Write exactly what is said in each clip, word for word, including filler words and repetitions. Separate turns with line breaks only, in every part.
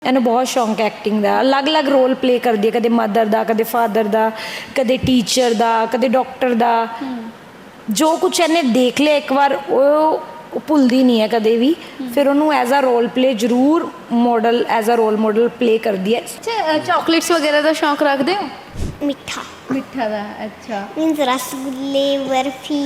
ਇਹਨੂੰ ਬਹੁਤ ਸ਼ੌਂਕ ਹੈ ਐਕਟਿੰਗ ਦਾ। ਅਲੱਗ-ਅਲੱਗ ਰੋਲ ਪਲੇ ਕਰਦੀ ਹੈ, ਕਦੇ ਮਦਰ ਦਾ, ਕਦੇ ਫਾਦਰ ਦਾ, ਕਦੇ ਟੀਚਰ ਦਾ, ਕਦੇ ਡਾਕਟਰ ਦਾ। ਜੋ ਕੁਛ ਇਹਨੇ ਦੇਖ ਲਿਆ ਇੱਕ ਵਾਰ ਉਹ ਉਹ ਭੁੱਲਦੀ ਨਹੀਂ ਹੈ ਕਦੇ ਵੀ। ਫਿਰ ਉਹਨੂੰ ਐਜ਼ ਅ ਰੋਲ ਪਲੇ ਜ਼ਰੂਰ model as a role model play ਕਰਦੀ ਹੈ।
ਅੱਛਾ, ਚੌਕਲੇਟਸ ਵਗੈरह ਦਾ ਸ਼ੌਂਕ ਰੱਖਦੇ ਹੋ?
ਮਿੱਠਾ
ਮਿੱਠਾ ਦਾ। ਅੱਛਾ।
ਮੀਨਸ ਰਸਗੁੱਲੇ, ਬਰਫੀ।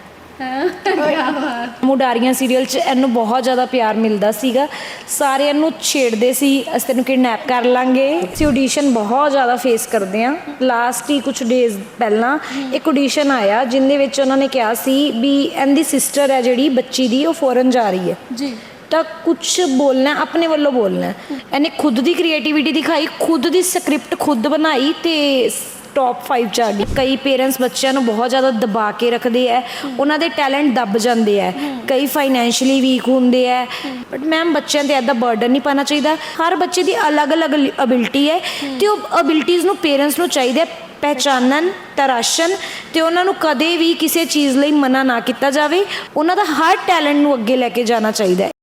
ਮੁਡਾਰੀਆਂ ਸੀਰੀਅਲ 'ਚ ਇਹਨੂੰ ਬਹੁਤ ਜ਼ਿਆਦਾ ਪਿਆਰ ਮਿਲਦਾ ਸੀਗਾ। ਸਾਰੇ ਇਹਨੂੰ ਛੇੜਦੇ ਸੀ, ਅਸੀਂ ਤੈਨੂੰ ਕਿਡਨੈਪ ਕਰ ਲਾਂਗੇ। ਅਸੀਂ ਆਡੀਸ਼ਨ ਬਹੁਤ ਜ਼ਿਆਦਾ ਫੇਸ ਕਰਦੇ ਹਾਂ। ਲਾਸਟ ਹੀ ਕੁਛ ਡੇਜ਼ ਪਹਿਲਾਂ ਇੱਕ ਆਡੀਸ਼ਨ ਆਇਆ ਜਿਹਦੇ ਵਿੱਚ ਉਹਨਾਂ ਨੇ ਕਿਹਾ ਸੀ ਵੀ ਇਹਦੀ ਸਿਸਟਰ ਹੈ ਜਿਹੜੀ ਬੱਚੀ ਦੀ, ਉਹ ਫੋਰਨ ਜਾ ਰਹੀ ਹੈ
ਜੀ। ਤਾਂ
ਕੁਛ ਬੋਲਣਾ ਆਪਣੇ ਵੱਲੋਂ ਬੋਲਣਾ। ਇਹਨੇ ਖੁਦ ਦੀ ਕ੍ਰੀਏਟੀਵਿਟੀ ਦਿਖਾਈ, ਖੁਦ ਦੀ ਸਕ੍ਰਿਪਟ ਖੁਦ ਬਣਾਈ ਤੇ ਟੌਪ ਫਾਈਵ 'ਚ ਆ ਗਈ। ਕਈ ਪੇਰੈਂਟਸ ਬੱਚਿਆਂ ਨੂੰ ਬਹੁਤ ਜ਼ਿਆਦਾ ਦਬਾ ਕੇ ਰੱਖਦੇ ਹੈ, ਉਹਨਾਂ ਦੇ ਟੈਲੈਂਟ ਦੱਬ ਜਾਂਦੇ ਹੈ। ਕਈ ਫਾਈਨੈਂਸ਼ੀਅਲੀ ਵੀਕ ਹੁੰਦੇ ਹੈ, ਬਟ ਮੈਮ ਬੱਚਿਆਂ 'ਤੇ ਇੱਦਾਂ ਬਰਡਨ ਨਹੀਂ ਪਾਉਣਾ ਚਾਹੀਦਾ। ਹਰ ਬੱਚੇ ਦੀ ਅਲੱਗ-ਅਲੱਗ ਅਬਿਲਿਟੀ ਹੈ ਅਤੇ ਉਹ ਅਬਿਲਿਟੀਜ਼ ਨੂੰ ਪੇਰੈਂਟਸ ਨੂੰ ਚਾਹੀਦਾ ਪਹਿਚਾਨਣ, ਤਰਾਸ਼ਣ ਅਤੇ ਉਹਨਾਂ ਨੂੰ ਕਦੇ ਵੀ ਕਿਸੇ ਚੀਜ਼ ਲਈ ਮਨਾ ਨਾ ਕੀਤਾ ਜਾਵੇ। ਉਹਨਾਂ ਦਾ ਹਰ ਟੈਲੈਂਟ ਨੂੰ ਅੱਗੇ ਲੈ ਕੇ ਜਾਣਾ ਚਾਹੀਦਾ ਹੈ।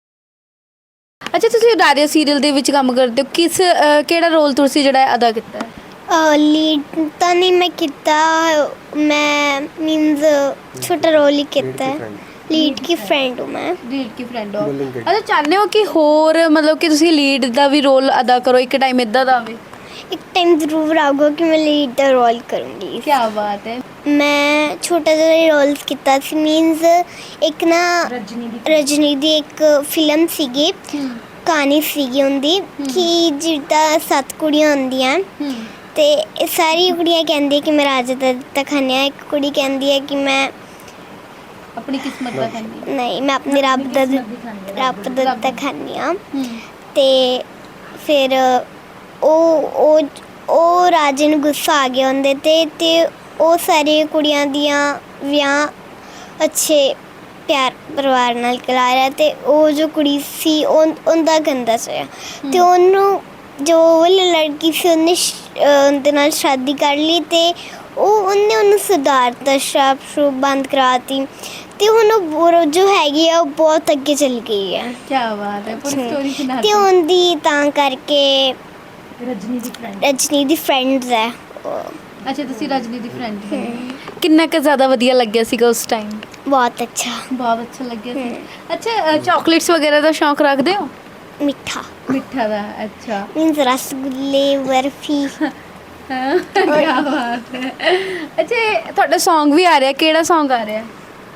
ਅੱਛਾ, ਤੁਸੀਂ ਉਡਾਰੀਆਂ ਸੀਰੀਅਲ ਦੇ ਵਿੱਚ ਕੰਮ ਕਰਦੇ ਹੋ, ਕਿਸ ਕਿਹੜਾ ਰੋਲ ਤੁਸੀਂ ਜਿਹੜਾ ਅਦਾ ਕੀਤਾ ਹੈ?
ਲੀਡ ਤਾਂ ਨਹੀਂ ਮੈਂ ਕੀਤਾ, ਮੈਂ ਮੀਨਸ ਛੋਟਾ ਰੋਲ ਹੀ ਕੀਤਾ ਹੈ। ਲੀਡ ਕੀ ਫਰੈਂਡ ਹੂੰ ਮੈਂ।
ਲੀਡ ਕੀ ਫਰੈਂਡ ਹੋ। ਅੱਛਾ, ਚਾਹੁੰਦੇ ਹੋ ਕਿ ਹੋਰ ਮਤਲਬ ਕਿ ਤੁਸੀਂ ਲੀਡ ਦਾ ਵੀ ਰੋਲ ਅਦਾ ਕਰੋ ਇੱਕ ਟਾਈਮ ਇੱਦਾਂ ਦਾ ਆਵੇ?
ਇੱਕ ਟਾਈਮ ਜ਼ਰੂਰ ਆਊਗਾ ਕਿ ਮੈਂ ਲੀਡ ਦਾ ਰੋਲ ਕਰੂੰਗੀ।
ਕੀ ਬਾਤ ਹੈ।
ਮੈਂ ਛੋਟਾ ਜਿਹਾ ਰੋਲ ਕੀਤਾ ਸੀ। ਮੀਨਸ ਇੱਕ ਨਾ ਰਜਨੀ ਦੀ ਇੱਕ ਫਿਲਮ ਸੀਗੀ, ਕਹਾਣੀ ਸੀਗੀ ਉਹਦੀ ਕਿ ਜਿੱਦਾਂ ਸੱਤ ਕੁੜੀਆਂ ਹੁੰਦੀਆਂ ਤੇ ਇਹ ਸਾਰੀ ਕੁੜੀਆਂ ਕਹਿੰਦੀਆਂ ਕਿ ਮੈਂ ਰਾਜਾ ਦਾ ਦਿੱਤਾ ਖਾਂਦੀ ਹਾਂ। ਇੱਕ ਕੁੜੀ ਕਹਿੰਦੀ ਹੈ ਕਿ ਮੈਂ
ਆਪਣੀ ਕਿਸਮਤ ਦਾ ਖਾਂਦੀ
ਨਹੀਂ, ਮੈਂ ਆਪਣੇ ਰੱਬ ਦਾ ਰੱਬ ਦਾ ਦਿੱਤਾ ਖਾਂਦੀ ਹਾਂ। ਤੇ ਫਿਰ ਉਹ ਉਹ ਉਹ ਰਾਜੇ ਨੂੰ ਗੁੱਸਾ ਆ ਗਿਆ ਉਹਦੇ 'ਤੇ ਅਤੇ ਉਹ ਸਾਰੀਆਂ ਕੁੜੀਆਂ ਦੀਆਂ ਵਿਆਹ ਅੱਛੇ ਪਿਆਰ ਪਰਿਵਾਰ ਨਾਲ ਕਰਾ ਰਿਹਾ ਅਤੇ ਉਹ ਜੋ ਕੁੜੀ ਸੀ ਉਹ ਉਹਦਾ ਗੰਦਾ ਹੋਇਆ ਅਤੇ ਉਹਨੂੰ ਜੋ ਵਾਲੀ ਲੜਕੀ ਸੀ ਉਹਨੇ ਉਹਦੇ ਨਾਲ ਸ਼ਾਦੀ ਕਰ ਲਈ ਅਤੇ ਉਹ ਉਹਨੇ ਉਹਨੂੰ ਸੁਧਾਰਤਾ, ਸ਼ਰਾਬ ਸ਼ਰੂਬ ਬੰਦ ਕਰਾਤੀ ਅਤੇ ਹੁਣ ਉਹ ਜੋ ਹੈਗੀ ਆ ਉਹ ਬਹੁਤ ਅੱਗੇ ਚੱਲ ਗਈ ਹੈ।
ਕੀ ਬਾਤ ਹੈ। ਪੂਰੀ ਸਟੋਰੀ ਸੁਣਾ
ਅਤੇ ਉਹਦੀ ਤਾਂ ਕਰਕੇ
ਰਜਨੀ ਦੀ ਫਰੈਂਡ
ਰਜਨੀ ਦੀ ਫਰੈਂਡਸ ਹੈ।
ਅੱਛਾ, ਤੁਸੀਂ ਰਜਨੀ ਦੀ ਫਰੈਂਡ ਹੋ। ਕਿੰਨਾ ਕੁ ਜ਼ਿਆਦਾ ਵਧੀਆ ਲੱਗਿਆ ਸੀਗਾ ਉਸ ਟਾਈਮ?
ਬਹੁਤ ਅੱਛਾ,
ਬਹੁਤ ਅੱਛਾ ਲੱਗਿਆ ਸੀ। ਅੱਛਾ, ਚੌਕਲੇਟਸ ਵਗੈਰਾ ਦਾ ਸ਼ੌਂਕ ਰੱਖਦੇ ਹੋ?
ਮਿੱਠਾ
ਮਿੱਠਾ ਦਾ। ਅੱਛਾ।
ਮੀਨਸ ਰਸਗੁੱਲੇ, ਬਰਫੀ।
ਕੀ ਬਾਤ ਹੈ। ਅੱਛਾ, ਤੁਹਾਡਾ ਸੌਂਗ ਵੀ ਆ ਰਿਹਾ, ਕਿਹੜਾ ਸੌਂਗ ਆ ਰਿਹਾ?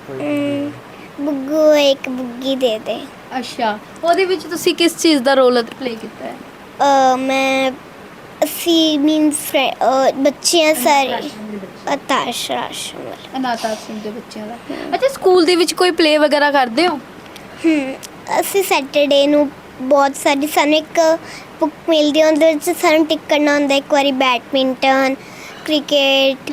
ਬੁੱਗੂ ਇੱਕ ਬੁੱਗੀ ਦੇ ਦੇ।
ਅੱਛਾ, ਉਹਦੇ ਵਿੱਚ ਤੁਸੀਂ ਕਿਸ ਚੀਜ਼ ਦਾ ਰੋਲ ਪਲੇ ਕੀਤਾ ਹੈ?
ਮੈਂ ਅਸੀਂ ਮੀਨਸ ਬੱਚਿਆਂ ਸਾਰੇ ਅਤਾਸ਼ ਰਾਸ਼ਨ ਵਾਲੇ
ਅਨਾਥ ਆਸ਼ਰਮ ਦੇ ਬੱਚਿਆਂ ਦਾ। ਅੱਛਾ, ਸਕੂਲ ਦੇ ਵਿੱਚ ਕੋਈ ਪਲੇ ਵਗੈਰਾ ਕਰਦੇ ਹੋ?
ਹੂੰ, ਅਸੀਂ ਸੈਟਰਡੇ ਨੂੰ ਬਹੁਤ ਸਾਰੀ ਸਾਨੂੰ ਇੱਕ ਬੁੱਕ ਮਿਲਦੀ ਹੈ, ਉਹਦੇ ਵਿੱਚ ਸਾਨੂੰ ਟਿਕ ਕਰਨਾ ਹੁੰਦਾ। ਇੱਕ ਵਾਰੀ ਬੈਡਮਿੰਟਨ, ਕ੍ਰਿਕਟ,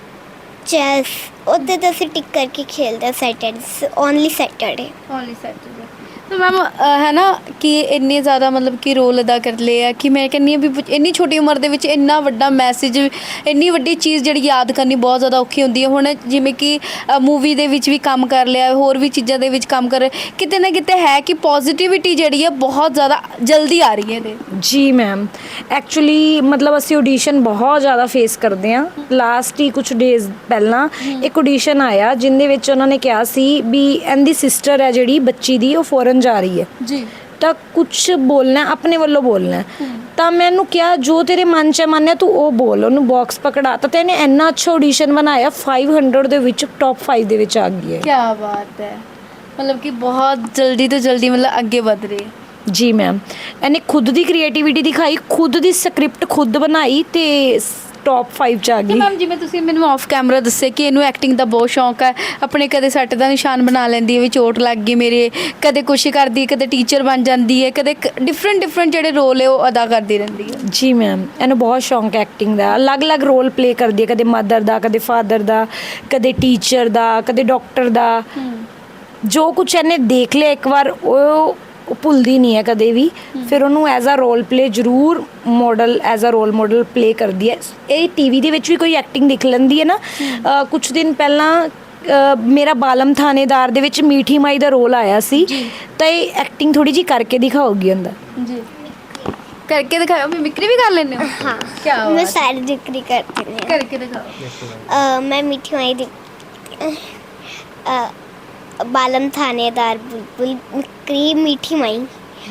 ਚੈਸ, ਉਹਦੇ 'ਤੇ ਅਸੀਂ ਟਿਕ ਕਰਕੇ ਖੇਡਦੇ ਹਾਂ Saturday, only Saturday.
Only Saturday. ਤਾਂ ਮੈਮ ਹੈ ਨਾ ਕਿ ਇੰਨੇ ਜ਼ਿਆਦਾ ਮਤਲਬ ਕਿ ਰੋਲ ਅਦਾ ਕਰ ਲਏ ਆ ਕਿ ਮੈਂ ਕਹਿੰਦੀ ਹਾਂ ਵੀ ਇੰਨੀ ਛੋਟੀ ਉਮਰ ਦੇ ਵਿੱਚ ਇੰਨਾ ਵੱਡਾ ਮੈਸੇਜ, ਇੰਨੀ ਵੱਡੀ ਚੀਜ਼ ਜਿਹੜੀ ਯਾਦ ਕਰਨੀ ਬਹੁਤ ਜ਼ਿਆਦਾ ਔਖੀ ਹੁੰਦੀ ਹੈ। ਹੁਣ ਜਿਵੇਂ ਕਿ ਮੂਵੀ ਦੇ ਵਿੱਚ ਵੀ ਕੰਮ ਕਰ ਲਿਆ, ਹੋਰ ਵੀ ਚੀਜ਼ਾਂ ਦੇ ਵਿੱਚ ਕੰਮ ਕਰ ਕਿਤੇ ਨਾ ਕਿਤੇ ਹੈ ਕਿ ਪੋਜ਼ੀਟਿਵਿਟੀ ਜਿਹੜੀ ਹੈ ਬਹੁਤ ਜ਼ਿਆਦਾ ਜਲਦੀ ਆ ਰਹੀ ਹੈ ਇਹਦੇ।
ਜੀ ਮੈਮ, ਐਕਚੁਅਲੀ ਮਤਲਬ ਅਸੀਂ ਆਡੀਸ਼ਨ ਬਹੁਤ ਜ਼ਿਆਦਾ ਫੇਸ ਕਰਦੇ ਹਾਂ। ਲਾਸਟ ਹੀ ਕੁਛ ਡੇਜ਼ ਪਹਿਲਾਂ ਇੱਕ ਆਡੀਸ਼ਨ ਆਇਆ ਜਿਹਦੇ ਵਿੱਚ ਉਹਨਾਂ ਨੇ ਕਿਹਾ ਸੀ ਵੀ ਇਹਦੀ ਸਿਸਟਰ ਹੈ ਜਿਹੜੀ ਬੱਚੀ ਦੀ, ਉਹ ਫੋਰਨ ਜਾ ਰਹੀ ਹੈ
ਜੀ। ਤਾਂ
ਕੁਛ ਬੋਲਣਾ ਆਪਣੇ ਵੱਲੋਂ ਬੋਲਣਾ। ਤਾਂ ਮੈਨੂੰ ਕਿਹਾ ਜੋ ਤੇਰੇ ਮਨ 'ਚ ਮੰਨਿਆ ਤੂੰ ਉਹ ਬੋਲ। ਉਹਨੂੰ ਬਾਕਸ ਪਕੜਾ ਤਾਂ ਤੇ ਇਹਨੇ ਇੰਨਾ ਅੱਛਾ ਆਡੀਸ਼ਨ ਬਣਾਇਆ, ਫਾਈਵ ਹੰਡਰਡ ਦੇ ਵਿੱਚ ਟੌਪ ਫਾਈਵ ਦੇ ਵਿੱਚ ਆ ਗਈ ਹੈ।
ਕੀ ਬਾਤ ਹੈ। ਮਤਲਬ ਕਿ ਬਹੁਤ ਜਲਦੀ ਤੋਂ ਜਲਦੀ ਮਤਲਬ ਅੱਗੇ ਵਧ ਰਹੀ ਹੈ।
ਜੀ ਮੈਮ, ਇਹਨੇ ਖੁਦ ਦੀ ਕ੍ਰੀਏਟੀਵਿਟੀ ਦਿਖਾਈ, ਖੁਦ ਦੀ ਸਕ੍ਰਿਪਟ ਖੁਦ ਬਣਾਈ ਤੇ ਟੌਪ ਫਾਈਵ 'ਚ ਆ ਗਈ।
ਮੈਮ, ਜਿਵੇਂ ਤੁਸੀਂ ਮੈਨੂੰ ਆਫ ਕੈਮਰਾ ਦੱਸਿਆ ਕਿ ਇਹਨੂੰ ਐਕਟਿੰਗ ਦਾ ਬਹੁਤ ਸ਼ੌਂਕ ਹੈ, ਆਪਣੇ ਕਦੇ ਸੱਟ ਦਾ ਨਿਸ਼ਾਨ ਬਣਾ ਲੈਂਦੀ ਹੈ ਵੀ ਚੋਟ ਲੱਗ ਗਈ ਮੇਰੇ, ਕਦੇ ਕੁਛ ਕਰਦੀ, ਕਦੇ ਟੀਚਰ ਬਣ ਜਾਂਦੀ ਹੈ, ਕਦੇ ਡਿਫਰੈਂਟ ਡਿਫਰੈਂਟ ਜਿਹੜੇ ਰੋਲ ਹੈ ਉਹ ਅਦਾ ਕਰਦੀ ਰਹਿੰਦੀ ਹੈ।
ਜੀ ਮੈਮ, ਇਹਨੂੰ ਬਹੁਤ ਸ਼ੌਂਕ ਹੈ ਐਕਟਿੰਗ ਦਾ। ਅਲੱਗ-ਅਲੱਗ ਰੋਲ ਪਲੇ ਕਰਦੀ ਹੈ, ਕਦੇ ਮਦਰ ਦਾ, ਕਦੇ ਫਾਦਰ ਦਾ, ਕਦੇ ਟੀਚਰ ਦਾ, ਕਦੇ ਡਾਕਟਰ ਦਾ। ਜੋ ਕੁਛ ਇਹਨੇ ਦੇਖ ਲਿਆ ਇੱਕ ਵਾਰ ਉਹ ਉਹ ਭੁੱਲਦੀ ਨਹੀਂ ਹੈ ਕਦੇ ਵੀ। ਫਿਰ ਉਹਨੂੰ ਐਜ਼ ਅ ਰੋਲ ਪਲੇ ਜ਼ਰੂਰ model as a role model play ਕਰਦੀ ਹੈ। ਇਹ ਟੀ ਵੀ ਦੇ ਵਿੱਚ ਵੀ ਕੋਈ ਐਕਟਿੰਗ ਦਿਖ ਲੈਂਦੀ ਹੈ ਨਾ। ਕੁਛ ਦਿਨ ਪਹਿਲਾਂ ਮੇਰਾ ਬਾਲਮ ਥਾਣੇਦਾਰ ਦੇ ਵਿੱਚ ਮੀਠੀ ਮਾਈ ਦਾ ਰੋਲ ਆਇਆ ਸੀ, ਤਾਂ ਇਹ ਐਕਟਿੰਗ ਥੋੜ੍ਹੀ ਜਿਹੀ ਕਰਕੇ ਦਿਖਾਊਗੀ ਅੰਦਰ।
ਜੀ। ਕਰਕੇ ਦਿਖਾਓ ਮਿਮਿਕਰੀ ਵੀ ਕਰ ਲੈਂਦੇ ਹੋ
हाँ
क्या
मैं
बात
सारी जिक्री करती हूँ
ਕਰਕੇ ਦਿਖਾਓ
अ, मैं मीठी माई दिख अ, बालम थानेदार बुलबुल मिक्री मीठी माई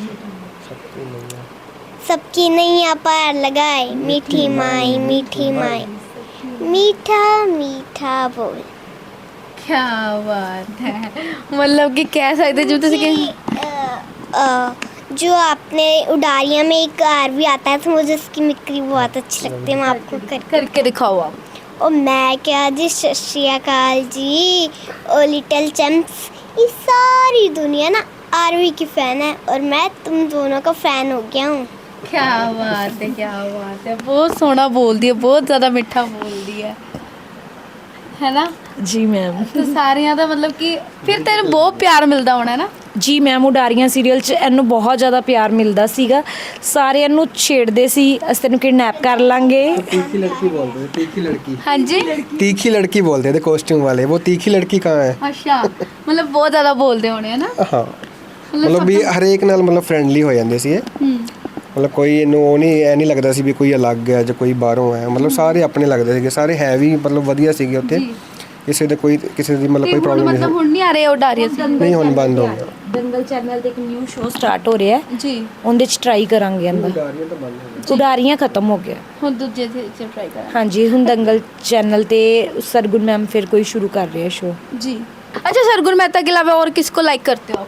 सबकी नैया पार लगाए मीठी माई मीठी माई मीठा मीठा बोल
क्या बात है मतलब कि कह सकते जो तुझे
कि, अ, अ, जो आपने उडारिया में एक आर भी आता है तो मुझे उसकी मिक्री बहुत अच्छी लगती है मैं आपको कर
करके दिखाओ आप
और मैं क्या जी सत श्री अकाल जी और लिटिल चैम्प्स ये सारी दुनिया ना आरवी की फ़ैन है और मैं तुम दोनों का फ़ैन हो गया हूँ
क्या बात है क्या बात है बहुत सोहना बोलदी है बहुत ज़्यादा मिठा बोलदी है है ना
ਜੀ ਮੈਮ
तो सारियां ਦਾ मतलब कि फिर तेरे बहुत प्यार मिलता होना है ना
ਜੀ ਮੈਮ ਉਡਾਰੀਆਂ ਸੀਰੀਅਲ 'ਚ ਇਹਨੂੰ ਬਹੁਤ ਜ਼ਿਆਦਾ ਪਿਆਰ ਮਿਲਦਾ ਸੀਗਾ ਸਾਰੇ ਇਹਨੂੰ ਛੇੜਦੇ ਸੀ ਅਸੀਂ ਤੈਨੂੰ ਕਿਡਨੈਪ ਕਰ ਲਾਂਗੇ
तीखी लड़की बोलते थे तीखी लड़की
हाँ जी
तीखी लड़की बोलते थे कॉस्ट्यूम वाले वो तीखी लड़की कहाँ है
अच्छा मतलब बहुत ज़्यादा बोलते होने है ना
ਹਾਂ ਮਤਲਬ ਵੀ ਹਰੇਕ ਨਾਲ ਮਤਲਬ ਫਰੈਂਡਲੀ ਹੋ ਜਾਂਦੇ ਸੀ ਇਹ ਮਤਲਬ ਕੋਈ ਇਹਨੂੰ ਉਹ ਨਹੀਂ ਐ ਨਹੀਂ ਲੱਗਦਾ ਸੀ ਵੀ ਕੋਈ ਅਲੱਗ ਹੈ ਜਾਂ ਕੋਈ ਬਾਹਰੋਂ ਹੈ ਮਤਲਬ ਸਾਰੇ ਆਪਣੇ ਲੱਗਦੇ ਸੀਗੇ ਸਾਰੇ ਹੈ ਵੀ ਮਤਲਬ ਵਧੀਆ ਸੀਗੇ ਉੱਥੇ ਕਿਸੇ ਦੇ ਕੋਈ ਕਿਸੇ ਦੀ ਮਤਲਬ ਕੋਈ ਪ੍ਰੋਬਲਮ ਨਹੀਂ
मतलब हुन नहीं आ रहे उडारिया से
ਨਹੀਂ ਹੁਣ ਬੰਦ ਹੋ ਗਿਆ
ਦੰਗਲ ਚੈਨਲ ਤੇ ਇੱਕ ਨਿਊ ਸ਼ੋਅ ਸਟਾਰਟ ਹੋ ਰਿਹਾ ਹੈ
जी
ਉਹਦੇ 'ਚ ਟਰਾਈ ਕਰਾਂਗੇ ਅੰਦਰ
ਉਡਾਰੀਆਂ ਤਾਂ ਬੰਦ ਹੋ ਗਈਆਂ
ਉਡਾਰੀਆਂ ਖਤਮ ਹੋ ਗਿਆ
हुन दूजे से ट्राई करा
ਹਾਂਜੀ ਹੁਣ ਦੰਗਲ ਚੈਨਲ ਤੇ ਸਰਗੁਣ ਮੈਮ ਫਿਰ ਕੋਈ ਸ਼ੁਰੂ ਕਰ ਰਹੇ ਸ਼ੋਅ
जी अच्छा सरगुण मेहता के अलावा और किसको लाइक करते हो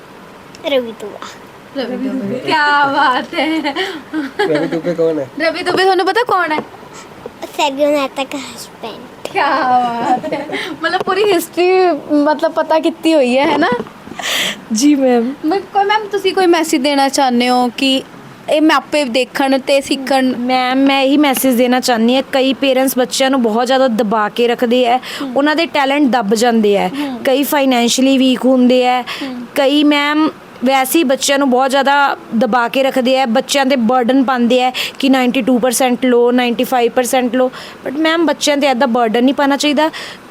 आप
रवि दुआ
रवि दुबे क्या बात है
रवि दुबे कौन है
रवि दुबे ਤੁਹਾਨੂੰ ਪਤਾ ਕੌਣ ਹੈ
सरगुण मेहता का हस्बैंड
क्या बात है मतलब पूरी हिस्ट्री मतलब पता कितनी हुई है है ना
ਜੀ ਮੈਮ
ਮੈਂ ਕੋਈ ਮੈਮ ਤੁਸੀਂ ਕੋਈ ਮੈਸੇਜ ਦੇਣਾ ਚਾਹੁੰਦੇ ਹੋ ਕਿ ਇਹ ਮਾਪੇ ਦੇਖਣ ਤੇ ਸਿੱਖਣ
ਮੈਮ ਮੈਂ ਇਹੀ ਮੈਸੇਜ ਦੇਣਾ ਚਾਹੁੰਦੀ ਹਾਂ ਕਈ ਪੇਰੈਂਟਸ ਬੱਚਿਆਂ ਨੂੰ ਬਹੁਤ ਜ਼ਿਆਦਾ ਦਬਾ ਕੇ ਰੱਖਦੇ ਹੈ ਉਹਨਾਂ ਦੇ ਟੈਲੈਂਟ ਦਬ ਜਾਂਦੇ ਹੈ ਕਈ ਫਾਈਨੈਂਸ਼ੀਅਲੀ ਵੀਕ ਹੁੰਦੇ ਹੈ ਕਈ ਮੈਮ ਵੈਸੇ ਹੀ ਬੱਚਿਆਂ ਨੂੰ ਬਹੁਤ ਜ਼ਿਆਦਾ ਦਬਾ ਕੇ ਰੱਖਦੇ ਆ ਬੱਚਿਆਂ 'ਤੇ ਬਰਡਨ ਪਾਉਂਦੇ ਆ ਕਿ ਨਾਈਨਟੀ ਟੂ ਪਰਸੈਂਟ ਲਓ ਨਾਈਨਟੀ ਫਾਈਵ ਪਰਸੈਂਟ ਲਓ ਬਟ ਮੈਮ ਬੱਚਿਆਂ 'ਤੇ ਇੱਦਾਂ ਬਰਡਨ ਨਹੀਂ ਪਾਉਣਾ ਚਾਹੀਦਾ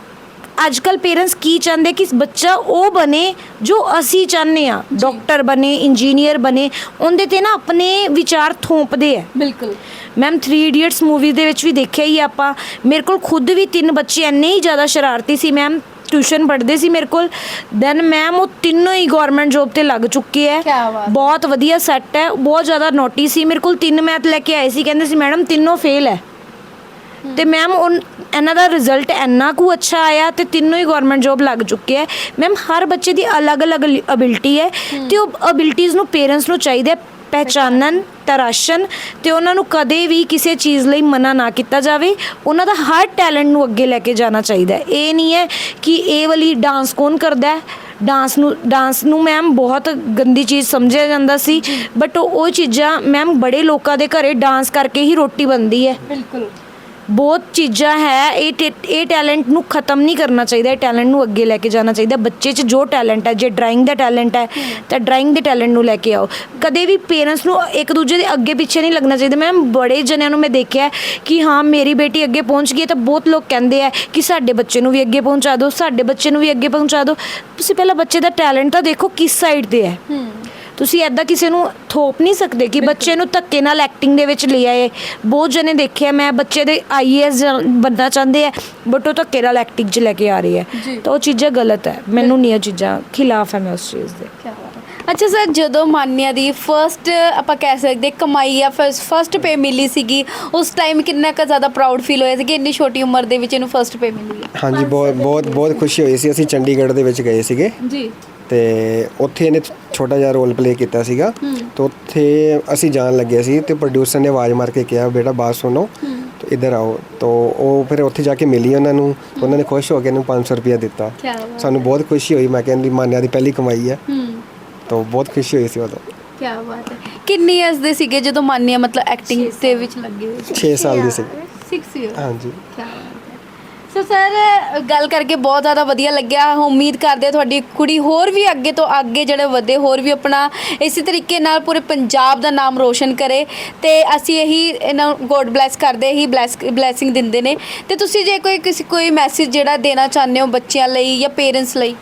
ਅੱਜ ਕੱਲ੍ਹ ਪੇਰੈਂਟਸ ਕੀ ਚਾਹੁੰਦੇ ਕਿ ਬੱਚਾ ਉਹ ਬਣੇ ਜੋ ਅਸੀਂ ਚਾਹੁੰਦੇ ਹਾਂ ਡਾਕਟਰ ਬਣੇ ਇੰਜੀਨੀਅਰ ਬਣੇ ਉਹਦੇ 'ਤੇ ਨਾ ਆਪਣੇ ਵਿਚਾਰ ਥੋਪਦੇ ਆ
ਬਿਲਕੁਲ
ਮੈਮ ਥ੍ਰੀ ਇਡੀਅਟਸ ਮੂਵੀ ਦੇ ਵਿੱਚ ਵੀ ਦੇਖਿਆ ਹੀ ਆਪਾਂ ਮੇਰੇ ਕੋਲ ਖੁਦ ਵੀ ਤਿੰਨ ਬੱਚੇ ਇੰਨੇ ਹੀ ਜ਼ਿਆਦਾ ਸ਼ਰਾਰਤੀ ਸੀ ਮੈਮ ਟਿਊਸ਼ਨ ਪੜ੍ਹਦੇ ਸੀ ਮੇਰੇ ਕੋਲ ਦੈਨ ਮੈਮ ਉਹ ਤਿੰਨੋਂ ਹੀ ਗਵਰਨਮੈਂਟ ਜੋਬ ਤੇ ਲੱਗ ਚੁੱਕੇ ਹੈ
ਕਿਆ ਬਾਤ।
ਬਹੁਤ ਵਧੀਆ ਸੈੱਟ ਹੈ ਬਹੁਤ ਜ਼ਿਆਦਾ ਨੋਟੀ ਸੀ ਮੇਰੇ ਕੋਲ ਤਿੰਨ ਮੈਥ ਲੈ ਕੇ ਆਏ ਸੀ ਕਹਿੰਦੇ ਸੀ ਮੈਡਮ ਤਿੰਨੋਂ ਫੇਲ ਹੈ ਤੇ ਮੈਮ ਇਹਨਾਂ ਦਾ ਰਿਜ਼ਲਟ ਇੰਨਾ ਕੁ ਅੱਛਾ ਆਇਆ ਤੇ ਤਿੰਨੋਂ ਹੀ ਗਵਰਨਮੈਂਟ ਜੋਬ ਲੱਗ ਚੁੱਕੇ ਹੈ ਮੈਮ ਹਰ ਬੱਚੇ ਦੀ ਅਲੱਗ-ਅਲੱਗ ਅਬਿਲਿਟੀ ਹੈ ਤੇ ਉਹ ਅਬਿਲਿਟੀਜ਼ ਨੂੰ ਪੇਰੈਂਟਸ ਨੂੰ ਚਾਹੀਦਾ ਪਹਿਚਾਨਣ ਤਰਾਸ਼ਣ ਤੇ ਉਹਨਾਂ ਨੂੰ ਕਦੇ ਵੀ ਕਿਸੇ ਚੀਜ਼ ਲਈ ਮਨਾ ਨਾ ਕੀਤਾ ਜਾਵੇ ਉਹਨਾਂ ਦਾ ਹਰ ਟੈਲੈਂਟ ਨੂੰ ਅੱਗੇ ਲੈ ਕੇ ਜਾਣਾ ਚਾਹੀਦਾ ਇਹ ਨਹੀਂ ਹੈ ਕਿ ਇਹ ਵਾਲੀ ਡਾਂਸ ਕੌਣ ਕਰਦਾ ਹੈ ਡਾਂਸ ਨੂੰ ਡਾਂਸ ਨੂੰ ਮੈਮ ਬਹੁਤ ਗੰਦੀ ਚੀਜ਼ ਸਮਝਿਆ ਜਾਂਦਾ ਸੀ ਬਟ ਉਹ ਚੀਜ਼ਾਂ ਮੈਮ ਬੜੇ ਲੋਕਾਂ ਦੇ ਘਰੇ ਡਾਂਸ ਕਰਕੇ ਹੀ ਰੋਟੀ ਬਣਦੀ ਹੈ
ਬਿਲਕੁਲ
ਬਹੁਤ ਚੀਜ਼ਾਂ ਹੈ ਇਹ ਟੇ- ਇਹ ਟੈਲੈਂਟ ਨੂੰ ਖਤਮ ਨਹੀਂ ਕਰਨਾ ਚਾਹੀਦਾ ਇਹ ਟੈਲੈਂਟ ਨੂੰ ਅੱਗੇ ਲੈ ਕੇ ਜਾਣਾ ਚਾਹੀਦਾ ਬੱਚੇ 'ਚ ਜੋ ਟੈਲੈਂਟ ਹੈ ਜੇ ਡਰਾਇੰਗ ਦਾ ਟੈਲੈਂਟ ਹੈ ਤਾਂ ਡਰਾਇੰਗ ਦੇ ਟੈਲੈਂਟ ਨੂੰ ਲੈ ਕੇ ਆਓ ਕਦੇ ਵੀ ਪੇਰੈਂਟਸ ਨੂੰ ਇੱਕ ਦੂਜੇ ਦੇ ਅੱਗੇ ਪਿੱਛੇ ਨਹੀਂ ਲੱਗਣਾ ਚਾਹੀਦਾ ਮੈਮ ਬੜੇ ਜਣਿਆਂ ਨੂੰ ਮੈਂ ਦੇਖਿਆ ਕਿ ਹਾਂ ਮੇਰੀ ਬੇਟੀ ਅੱਗੇ ਪਹੁੰਚ ਗਈ ਹੈ ਤਾਂ ਬਹੁਤ ਲੋਕ ਕਹਿੰਦੇ ਆ ਕਿ ਸਾਡੇ ਬੱਚੇ ਨੂੰ ਵੀ ਅੱਗੇ ਪਹੁੰਚਾ ਦਿਓ ਸਾਡੇ ਬੱਚੇ ਨੂੰ ਵੀ ਅੱਗੇ ਪਹੁੰਚਾ ਦਿਓ ਤੁਸੀਂ ਪਹਿਲਾਂ ਬੱਚੇ ਦਾ ਟੈਲੈਂਟ ਤਾਂ ਦੇਖੋ ਕਿਸ ਸਾਈਡ 'ਤੇ ਹੈ ਤੁਸੀਂ ਐਦਾਂ ਕਿਸੇ ਨੂੰ ਥੋਪ ਨਹੀਂ ਸਕਦੇ ਕਿ ਬੱਚੇ ਨੂੰ ਧੱਕੇ ਨਾਲ ਐਕਟਿੰਗ ਦੇ ਵਿੱਚ ਲੈ ਆਏ ਬਹੁਤ ਜਣੇ ਦੇਖਿਆ ਮੈਂ ਬੱਚੇ ਦੇ ਆਈ ਏ ਐਸ ਬਣਨਾ ਚਾਹੁੰਦੇ ਆ ਬਟ ਉਹ ਧੱਕੇ ਨਾਲ ਐਕਟਿੰਗ 'ਚ ਲੈ ਕੇ ਆ ਰਹੀ ਹੈ ਤਾਂ ਉਹ ਚੀਜ਼ਾਂ ਗਲਤ ਹੈ ਮੈਨੂੰ ਨਹੀਂ ਇਹ ਚੀਜ਼ਾਂ ਖਿਲਾਫ ਹੈ ਮੈਂ ਉਸ ਚੀਜ਼ ਦੇ
ਕਿਆ ਬਾਤ ਹੈ ਅੱਛਾ ਸਰ ਜਦੋਂ ਮਾਨਿਆ ਦੀ ਫਰਸਟ ਆਪਾਂ ਕਹਿ ਸਕਦੇ ਕਮਾਈ ਆ ਫਰਸਟ ਪੇ ਮਿਲੀ ਸੀਗੀ ਉਸ ਟਾਈਮ ਕਿੰਨਾ ਕੁ ਜ਼ਿਆਦਾ ਪ੍ਰਾਊਡ ਫੀਲ ਹੋਇਆ ਸੀ ਕਿ ਇੰਨੀ ਛੋਟੀ ਉਮਰ ਦੇ ਵਿੱਚ ਇਹਨੂੰ ਫਰਸਟ ਪੇ ਮਿਲੀ ਹੈ
ਹਾਂਜੀ ਬਹੁਤ ਬਹੁਤ ਬਹੁਤ ਖੁਸ਼ੀ ਹੋਈ ਸੀ ਅਸੀਂ ਚੰਡੀਗੜ੍ਹ ਦੇ ਵਿੱਚ ਗਏ ਸੀਗੇ
ਜੀ
ਤੇ ਉੱਥੇ ਇਹਨੇ ਛੋਟਾ ਜਿਹਾ ਰੋਲ ਪਲੇ ਕੀਤਾ ਸੀਗਾ ਤੇ ਉੱਥੇ ਅਸੀਂ ਜਾਣ ਲੱਗੇ ਸੀ ਤੇ ਪ੍ਰੋਡਿਊਸਰ ਨੇ ਆਵਾਜ਼ ਮਾਰ ਕੇ ਕਿਹਾ ਬੇਟਾ ਬਾਤ ਸੁਣੋ ਤੇ ਇੱਧਰ ਆਓ ਤਾਂ ਉਹ ਫਿਰ ਉੱਥੇ ਜਾ ਕੇ ਮਿਲੀ ਉਹਨਾਂ ਨੂੰ ਤਾਂ ਉਹਨਾਂ ਨੇ ਖੁਸ਼ ਹੋ ਕੇ ਇਹਨੂੰ ਪੰਜ ਸੌ ਰੁਪਇਆ ਦਿੱਤਾ
ਕਿਆ ਬਾਤ
ਸਾਨੂੰ ਬਹੁਤ ਖੁਸ਼ੀ ਹੋਈ ਮੈਂ ਕਹਿੰਦੀ ਮਾਨਿਆ ਦੀ ਪਹਿਲੀ ਕਮਾਈ ਹੈ
ਹੂੰ
ਤਾਂ ਬਹੁਤ ਖੁਸ਼ੀ ਹੋਈ ਸੀ ਉਦੋਂ
ਕਿਆ ਬਾਤ ਹੈ ਕਿੰਨੀ ਏਜ ਦੇ ਸੀਗੇ ਜਦੋਂ ਮਾਨਿਆ ਮਤਲਬ ਐਕਟਿੰਗ ਦੇ ਵਿੱਚ ਲੱਗੇ ਹੋਏ
ਛੇ ਸਾਲ ਦੀ ਸੀ
ਸਿਕਸ ਈਅਰ
ਹਾਂਜੀ
ਕਿਆ ਬਾਤ ਹੈ ਸੋ ਸਰ ਗੱਲ ਕਰਕੇ ਬਹੁਤ ਜ਼ਿਆਦਾ ਵਧੀਆ ਲੱਗਿਆ ਉਮੀਦ ਕਰਦੇ ਤੁਹਾਡੀ ਕੁੜੀ ਹੋਰ ਵੀ ਅੱਗੇ ਤੋਂ ਅੱਗੇ ਜਿਹੜੇ ਵਧੇ ਹੋਰ ਵੀ ਆਪਣਾ ਇਸੇ ਤਰੀਕੇ ਨਾਲ ਪੂਰੇ ਪੰਜਾਬ ਦਾ ਨਾਮ ਰੋਸ਼ਨ ਕਰੇ ਤੇ ਅਸੀਂ ਇਹੀ ਇਹਨਾਂ ਗੋਡ ਬਲੈਸ ਕਰਦੇ ਹੀ ਬਲੈਸ ਬਲੈਸਿੰਗ ਦਿੰਦੇ ਨੇ ਤੇ ਤੁਸੀਂ ਜੇ ਕੋਈ ਕਿਸੇ ਕੋਈ ਮੈਸੇਜ ਜਿਹੜਾ ਦੇਣਾ ਚਾਹੁੰਦੇ ਹੋ ਬੱਚਿਆਂ ਲਈ ਜਾਂ ਪੇਰੈਂਟਸ ਲਈ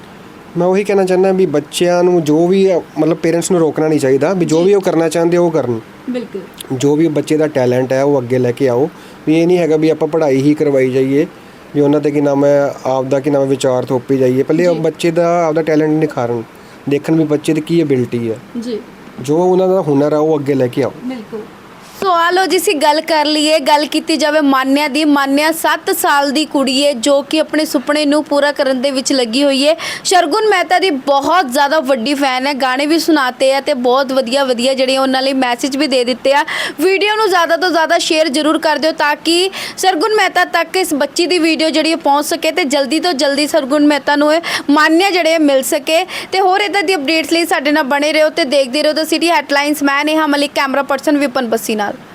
ਮੈਂ ਉਹੀ ਕਹਿਣਾ ਚਾਹੁੰਦਾ ਵੀ ਬੱਚਿਆਂ ਨੂੰ ਜੋ ਵੀ ਮਤਲਬ ਪੇਰੈਂਟਸ ਨੂੰ ਰੋਕਣਾ ਨਹੀਂ ਚਾਹੀਦਾ ਵੀ ਜੋ ਵੀ ਉਹ ਕਰਨਾ ਚਾਹੁੰਦੇ ਉਹ ਕਰਨ
ਬਿਲਕੁਲ
ਜੋ ਵੀ ਬੱਚੇ ਦਾ ਟੈਲੈਂਟ ਹੈ ਉਹ ਅੱਗੇ ਲੈ ਕੇ ਆਓ। ਵੀ ਇਹ ਨਹੀਂ ਹੈਗਾ ਵੀ ਆਪਾਂ ਪੜ੍ਹਾਈ ਹੀ ਕਰਵਾਈ ਜਾਈਏ, ਵੀ ਉਹਨਾਂ ਤੇ ਕੀ ਨਾਮ ਹੈ ਆਪਦਾ ਕੀ ਨਾਮ ਹੈ ਵਿਚਾਰ ਥੋਪੀ ਜਾਈਏ। ਪਹਿਲੇ ਉਹ ਬੱਚੇ ਦਾ ਆਪਦਾ ਟੈਲੈਂਟ ਨਿਖਾਰਨ, ਦੇਖਣ ਵੀ ਬੱਚੇ ਦੀ ਕੀ ਐਬਿਲਿਟੀ ਹੈ,
ਜੀ
ਜੋ ਉਹਨਾਂ ਦਾ ਹੁਨਰ ਆ ਉਹ ਅੱਗੇ ਲੈ ਕੇ ਆਓ।
ਬਿਲਕੁਲ। ਸੋ ਆ ਲਓ ਜੀ, ਅਸੀਂ ਗੱਲ ਕਰ ਲਈਏ, ਗੱਲ ਕੀਤੀ ਜਾਵੇ ਮਾਨਿਆ ਦੀ। ਮਾਨਿਆ ਸੱਤ ਸਾਲ ਦੀ ਕੁੜੀ ਹੈ ਜੋ ਕਿ ਆਪਣੇ ਸੁਪਨੇ ਨੂੰ ਪੂਰਾ ਕਰਨ ਦੇ ਵਿੱਚ ਲੱਗੀ ਹੋਈ ਹੈ। ਸ਼ਰਗੁਨ ਮਹਿਤਾ ਦੀ ਬਹੁਤ ਜ਼ਿਆਦਾ ਵੱਡੀ ਫੈਨ ਹੈ, ਗਾਣੇ ਵੀ ਸੁਣਾਤੇ ਆ ਤੇ ਬਹੁਤ ਵਧੀਆ ਵਧੀਆ ਜਿਹੜੇ ਉਹਨਾਂ ਲਈ ਮੈਸੇਜ ਵੀ ਦੇ ਦਿੱਤੇ ਆ। ਵੀਡੀਓ ਨੂੰ ਜ਼ਿਆਦਾ ਤੋਂ ਜ਼ਿਆਦਾ ਸ਼ੇਅਰ ਜ਼ਰੂਰ ਕਰ ਦਿਓ ਤਾਂ ਕਿ ਸ਼ਰਗੁਨ ਮਹਿਤਾ ਤੱਕ ਇਸ ਬੱਚੀ ਦੀ ਵੀਡੀਓ ਜਿਹੜੀ ਹੈ ਪਹੁੰਚ ਸਕੇ ਤੇ ਜਲਦੀ ਤੋਂ ਜਲਦੀ ਸ਼ਰਗੁਨ ਮਹਿਤਾ ਨੂੰ ਇਹ ਮਾਨਿਆ ਜਿਹੜੇ ਆ ਮਿਲ ਸਕੇ। ਤੇ ਹੋਰ ਇਦਾਂ ਦੀ ਅਪਡੇਟਸ ਲਈ ਸਾਡੇ ਨਾਲ ਬਣੇ ਰਹੋ ਤੇ ਦੇਖਦੇ ਰਹੋ ਦ ਸਿਟੀ ਹੈਡਲਾਈਨਸ। ਮੈਂ ਨੇਹਾ ਮਲਿਕ, ਕੈਮਰਾ ਪਰਸਨ ਵਿਪਨ ਬੱਸੀ ਨਾਲ।